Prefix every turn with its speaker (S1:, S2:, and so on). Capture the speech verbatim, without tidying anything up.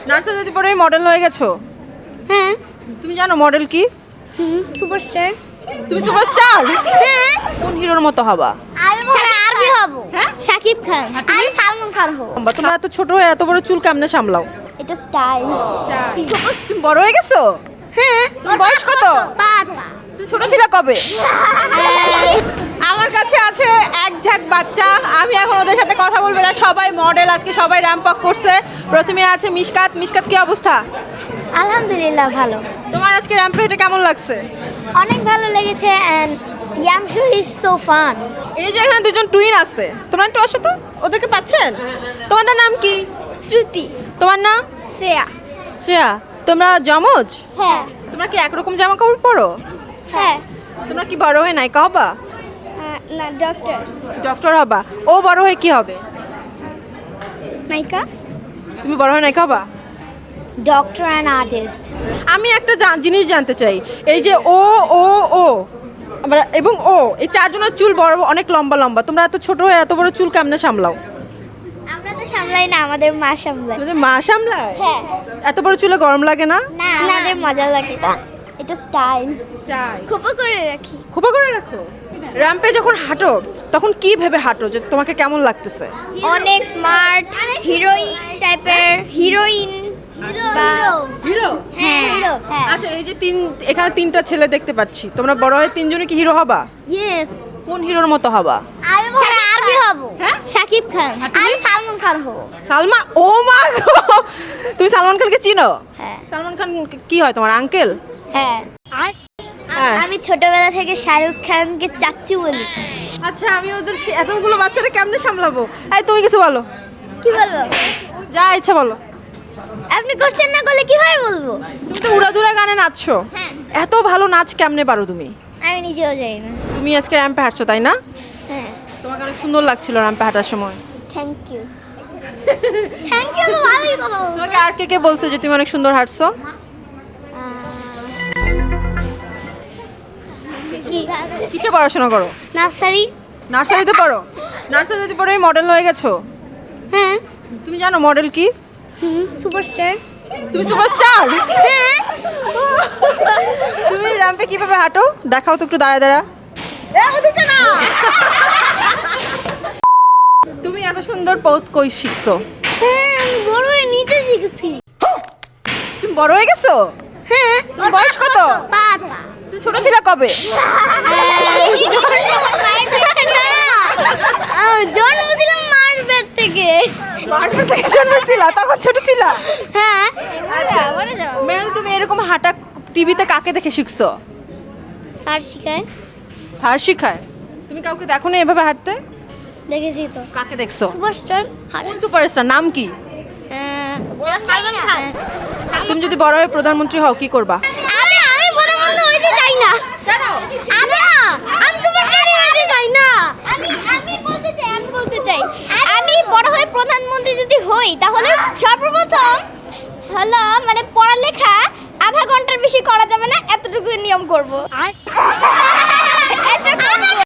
S1: নার্সারিতে পড়ে মডেল হয়ে গেছো?
S2: হ্যাঁ।
S1: তুমি জানো মডেল কি?
S2: হুম, সুপারস্টার।
S1: তুমি সুপারস্টার?
S2: হ্যাঁ।
S1: কোন হিরোর মতো হবা?
S2: আমি আরবি হব।
S1: হ্যাঁ?
S2: শাকিব খান। আমি সালমান খান হব।
S1: বা তোমরা এত ছোট হয়ে এত বড় চুল কেমনে সামলাও?
S2: এটা স্টাইল।
S1: তুমি বড় হয়ে গেছো?
S2: হ্যাঁ।
S1: তোমার বয়স কত?
S2: পাঁচ।
S1: তুমি ছোট ছিল কবে? আমার কাছে আছে এক ঝাঁক বাচ্চা, আমি এখন ওদের সাথে কথা বলবো না। সবাই মডেল, আজকে সবাই র্যাম্প আপ করছে। প্রথমে আছে মিশকাত। মিশকাত কি অবস্থা?
S2: আলহামদুলিল্লাহ ভালো।
S1: তোমার আজকে র্যাম্পে হেঁটে কেমন লাগছে?
S2: অনেক ভালো লেগেছে এন্ড ইয়ামশু ইজ সো ফান।
S1: এই যে এখানে দুজন টুইন আছে, তোমরা একটু আসো তো, ওদেরকে পাচ্ছেন? তোমাদের নাম কি?
S2: শ্রুতি।
S1: তোমার নাম?
S2: শ্রেয়া।
S1: শ্রেয়া। তোমরা যমজ?
S2: হ্যাঁ।
S1: তোমরা কি একরকম জামা কাপড় পরো?
S2: হ্যাঁ।
S1: তোমরা কি বড় হয়ে নায়িকা হবা?
S2: না, ডক্টর।
S1: ডক্টর হবা। ও বড় হয়ে কি হবে?
S2: নায়িকা।
S1: তুমি বড় হয়ে নায়িকা হবা?
S2: Doctor and artist.
S1: আমি একটা জা- জিনিস জানতে চাই, এই যে ও ও ও আমরা এবং ও এই চারজনের চুল বড় অনেক লম্বা লম্বা, তোমরা এত ছোট হয়ে এত বড় চুল কেমনে সামলাও?
S2: আমরা তো সামলাই না, আমাদের মা সামলায়।
S1: তোমাদের মা সামলায়?
S2: হ্যাঁ।
S1: এত বড় চুলে গরম লাগে না?
S2: না, আমাদের মজা লাগে। এটা স্টাইল। খোপা করে রাখি।
S1: খোপা করে রাখো। র্যাম্পে যখন হাঁটো তখন কি ভেবে হাঁটো, যে তোমাকে কেমন লাগতেছে?
S2: অনেক স্মার্ট হিরোইন টাইপের হিরোইন।
S1: হিরো?
S2: হ্যাঁ হিরো। হ্যাঁ।
S1: আচ্ছা, এই যে তিন এখানে তিনটা ছেলে দেখতে পাচ্ছি, তোমরা বড় হয়ে তিনজনে কি হিরো হবা?
S2: ইয়েস।
S1: কোন হিরোর মতো হবা?
S2: আমি আরবি হব।
S1: হ্যাঁ?
S2: শাকিব খান। আমি সালমান খান হব।
S1: সালমান? ও মা গো! তুমি সালমান খানকে চিনো?
S2: হ্যাঁ।
S1: সালমান খান কি হয় তোমার, আঙ্কেল?
S2: হ্যাঁ।
S1: হ্যাঁ।
S2: আমি ছোটবেলা থেকে শাহরুখ খানকে চাচ্চু বলি।
S1: আচ্ছা, আমি ওদের সে- এতগুলো বাচ্চারা কেমনে সামলাবো? এই তুমি কিছু বলো,
S2: কি বলবো?
S1: যা ইচ্ছা বলো।
S2: আপনি কোশ্চেন না করলে কিভাবে বলবো?
S1: তুমি তো উড়াধুরা গানে নাচছো,
S2: হ্যাঁ।
S1: এত ভালো নাচ কেমনে পারো তুমি?
S2: আমি নিজেও জানি না।
S1: তুমি আজকে র্যাম্পে হাঁটছো তাই না?
S2: হ্যাঁ।
S1: তোমাকে অনেক সুন্দর লাগছিল র্যাম্পে হাঁটার সময়।
S2: Thank you. থ্যাংক ইউ তো ভালোই কথা বলছো।
S1: তোমাকে আর কে কে বলছে যে তুমি অনেক সুন্দর হাঁটছো?
S2: কি
S1: কিসে পড়াশোনা করো?
S2: নার্সারি।
S1: নার্সারিতে পড়ো? নার্সারিতে পড়ে মডেল হয়ে গেছো?
S2: হ্যাঁ।
S1: তুমি জানো মডেল কি?
S2: হুম, সুপারস্টার।
S1: তুমি সুপারস্টার?
S2: হ্যাঁ।
S1: তুমি র্যাম্পে কিভাবে হাঁটো দেখাও তো একটু, দাঁড়া দাঁড়া। এ, ওদিকে না। তুমি এত সুন্দর পোজ কই শিখছো?
S2: হ্যাঁ, আমি বড় হয়ে নিতে শিখেছি।
S1: তুমি বড় হয়ে গেছো?
S2: হ্যাঁ।
S1: তোমার বয়স কত?
S2: পাঁচ।
S1: তুমি ছোট ছিল কবে?
S2: জন্ম ছিলাম মার পেট থেকে।
S1: মারপেট থেকে জন্মেছিলা, তখন ছোট ছিলা?
S2: হ্যাঁ।
S1: আচ্ছা মেল, তুমি এরকম হাঁটা টিভিতে কাকে দেখে শিখছো?
S2: স্যার শিখায়।
S1: স্যার শিখায়? তুমি কাউকে দেখো না এভাবে হাঁটতে?
S2: দেখেছি তো।
S1: কাকে দেখছো?
S2: সুপারস্টার।
S1: কোন সুপারস্টার, নাম কি?
S2: সালমান খান।
S1: তুমি যদি বড় হয়ে প্রধানমন্ত্রী হও কি করবা?
S2: আমি আমি প্রধানমন্ত্রী হইতে চাই না।
S1: কেন?
S2: আমি আমি সুপারস্টার হইতে চাই না। আমি আমি বলতে চাই আমি বলতে চাই আমি বড় হয়ে প্রধানমন্ত্রী যদি হই তাহলে সর্বপ্রথম হলো মানে পড়ালেখা আধা ঘন্টার বেশি করা যাবে না, এতটুকু নিয়ম করব।